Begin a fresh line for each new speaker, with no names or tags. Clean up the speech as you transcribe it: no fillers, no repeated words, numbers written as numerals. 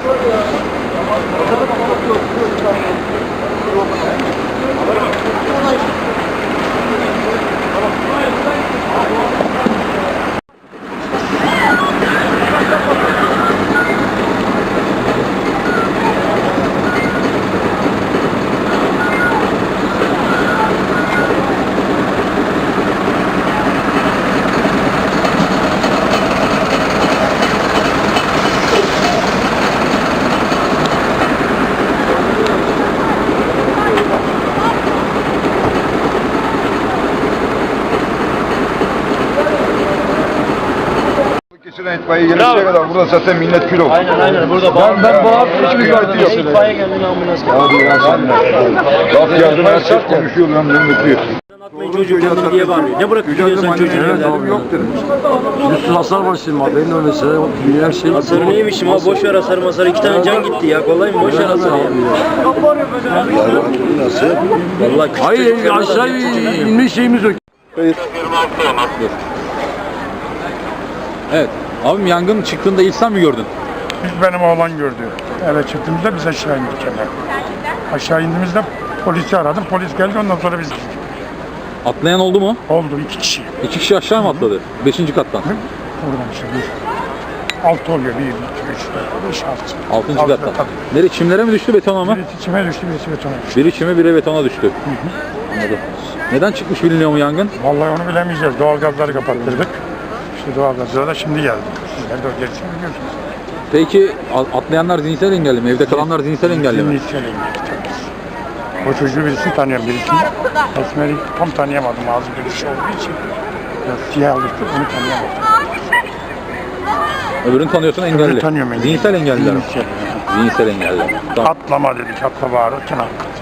İtfaiye gelişine kadar burada zaten millet kilo.
Aynen burada
ben bu hafta hiçbir gördüm.
İtfaiye geldi ambulans geldi.
Abi ya laf yardım her şey konuşuyor lan bunu mutluyuz.
Atmayın çocuğu kendini diye bağırıyor. Ne bırakıp gidiyorsun çocuğu evden?
Yok dedim.
Üstü hasar var şimdi haberin olmasa her şey.
Hasarı neymiş ama boş ver hasarı masarı. 2 tane can gitti ya. Kolay mı? Boş ver hasarı ya.
Nasıl?
Vallahi küçük
Hayır
çocuklar
aşağı inme şeyimiz yok.
Evet. Abim yangın çıktığında ilk sen mi gördün?
İlk benim oğlan gördü. Eve çıktığımızda biz aşağı indik hemen. Aşağı indiğimizde polisi aradım. Polis geldi ondan sonra biz gittik.
Atlayan oldu mu?
Oldu 2 kişi.
2 kişi aşağı mı atladı? 5. kattan.
Oradan işte 6 oluyor. 1, 2, 3, 4, 5, 6.
6. kattan. Nereye? Çimlere mi düştü betona mı?
Birisi çime düştü, birisi betona düştü.
Biri çime biri betona düştü. Anladım. Neden çıkmış biliniyor mu yangın?
Vallahi onu bilemeyeceğiz. Doğalgazları kapattırdık. İşte doğalgazlar da şimdi geldi. Sizler de o gerisini biliyorsunuz.
Peki atlayanlar zihinsel engelli mi? Evde kalanlar zihinsel engelli mi?
Zihinsel engelli tabii. O çocuğu birisini tanıyorum. Birisini Esmer'i tam tanıyamadım. Ağzı gülüşü olduğu için. Biraz siyah alıştı. Onu tanıyamadım.
Öbürünü tanıyorsun engelli.
Öbürünü tanıyorum engelli.
Zihinsel engelliler mi?
Zihinsel.
Zihinsel engelliler. Tamam.
Atlama dedik. Atla bağırırken atladı.